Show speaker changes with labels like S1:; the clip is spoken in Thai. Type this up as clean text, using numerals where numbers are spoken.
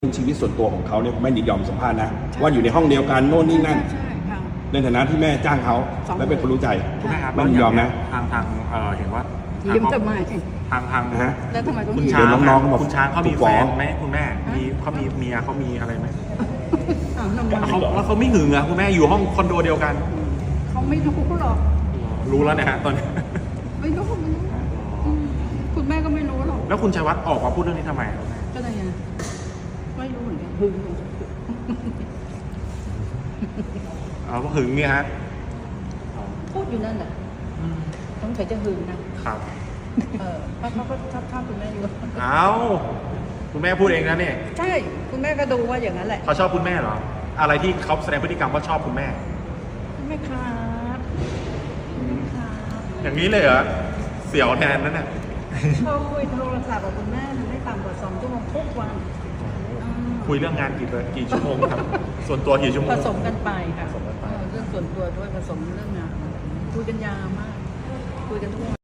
S1: ชีวิตส่วนตัวของเขาเนี่ยแม่ยินยอมสัมภาษณ์นะว่าอยู่ในห้องเดียวกันโน่นนี่นั่นในฐานะที่แม่จ้างเขาและเป็นคนรู้ใจ
S2: คุณแม่ครับ
S1: แม่ยินยอมนะ
S2: ทางเห็นว่า
S3: ยืมทำไม
S2: ทาง
S1: นะฮะ
S3: แล้วทำไมต้อง
S2: คุณ
S3: ยืม
S2: ช้าง
S1: เดี๋ยวน้องๆมา
S2: คุณช้างเขามี
S1: ถูก
S2: แฟ
S1: ฟ้อง
S2: นไหมคุณแม่มีเขามีเมียเขามีอะไรไหม
S3: อ้าวทำไม
S2: แล้วเขาไม่หึงเหรอคุณแม่อยู่ห้องคอนโดเดียวกัน
S3: เขาไม่รู้หรอก
S2: รู้แล้วนะฮะตอนนี้
S3: ไม่รู้คุณแม่ก็ไม่รู้หรอก
S2: แล้วคุณชัยวัฒน์ออกมาพูดเรื่องนี้ทำไมครับแม่
S3: ก็ได้ไงไม่รู้เหมือนกันหึง
S2: หึงเนี่ยฮะ
S3: พูดอยู่นั่นแหละต้องใส่จะหึงนะครับ เพราะเขาก็ชอบคุณแม่อยู่
S2: เอาคุณแม่พูดเองนะเนี่ย
S3: ใช่คุณแม่ก็ดูว่าอย่างนั้นแหละ
S2: เขาชอบคุณแม่เหรออะไรที่เขาแสดงพฤติกรรมว่าชอบคุณแม่
S3: คุณแม่ครับคุณแม่ครับ
S2: อย่างนี้เลยเหรอเสี่ยวแทนนั่นน่ะ
S3: เขาคุยโทรศัพท์กับคุณแม่ไม่ต่ำกว่า2 ชั่วโมงทุกวัน
S2: คุยเรื่องงานกี่ชั่วโมงครับ ส่วนตัวกี่ชั่วโมง
S3: ผสมกันไปค่ะ
S2: ผสมกันไป
S3: เรื่องส่วนตัวด้วยผสมเรื่องงานคุยกันยาวมาก คุยกันทุกวัน